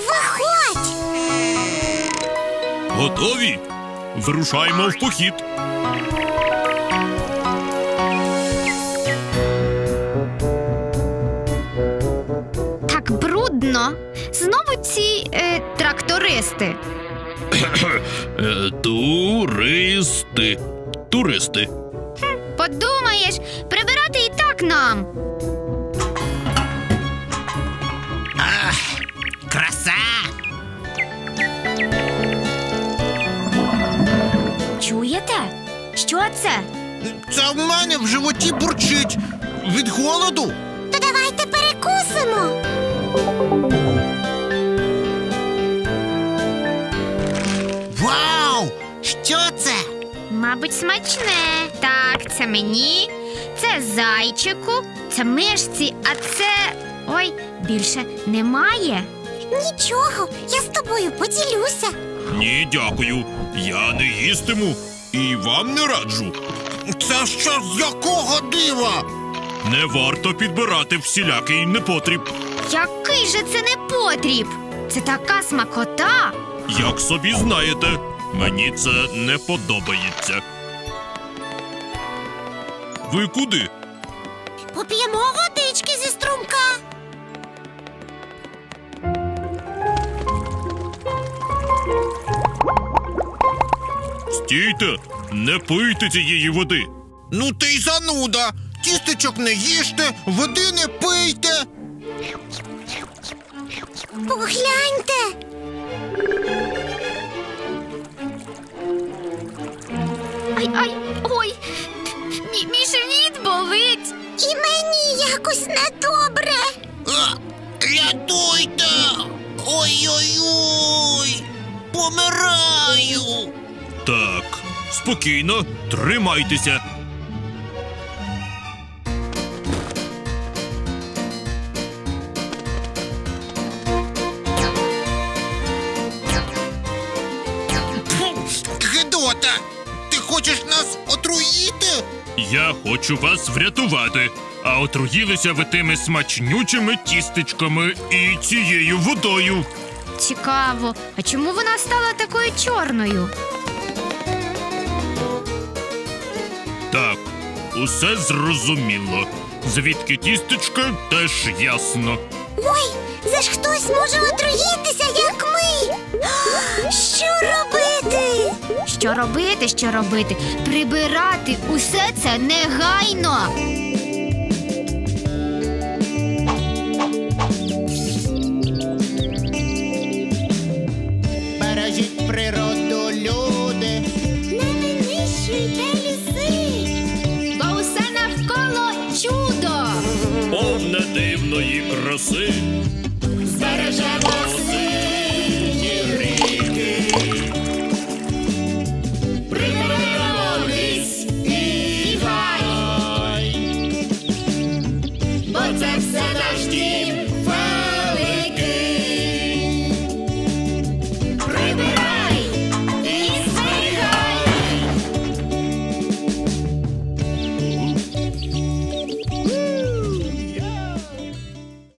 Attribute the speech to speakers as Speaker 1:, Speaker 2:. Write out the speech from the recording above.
Speaker 1: Виходь!
Speaker 2: Готові? Вирушаємо в похід.
Speaker 3: Так брудно. Знову ці трактористи.
Speaker 2: Туристи.
Speaker 3: Подумаєш, прибирати і так нам.
Speaker 4: Краса!
Speaker 3: Чуєте? Що це?
Speaker 4: Це в мене в животі бурчить від голоду.
Speaker 1: То давайте перекусимо.
Speaker 4: Вау! Що це?
Speaker 3: Мабуть, смачне. Так, це мені, це зайчику, це мишці, а це... Ой, більше немає.
Speaker 1: Нічого, я з тобою поділюся.
Speaker 2: Ні, дякую. Я не їстиму і вам не раджу.
Speaker 4: Це що з якого дива?
Speaker 2: Не варто підбирати всілякий непотріб.
Speaker 3: Який же це непотріб? Це така смакота.
Speaker 2: Як собі знаєте, мені це не подобається. Ви куди?
Speaker 1: Поп'ємо водички зі струмка.
Speaker 2: Стійте! Не пийте цієї води!
Speaker 4: Ну ти й зануда! Тістечок не їжте, води не пийте!
Speaker 1: Погляньте.
Speaker 3: Ай, ой, мій живіт болить.
Speaker 1: І мені якось недобре.
Speaker 4: Рятуйте! Ой-ой-ой! Помираю!
Speaker 2: Так, спокійно, тримайтеся.
Speaker 4: Гедота! Ти хочеш нас отруїти?
Speaker 2: Я хочу вас врятувати. А отруїлися ви тими смачнючими тістечками і цією водою.
Speaker 3: Цікаво, а чому вона стала такою чорною?
Speaker 2: Так, усе зрозуміло. Звідки тістечка, теж ясно.
Speaker 1: Ой, це ж хтось може отруїтися, як ми. Що робити?
Speaker 3: Що робити? Прибирати усе це негайно.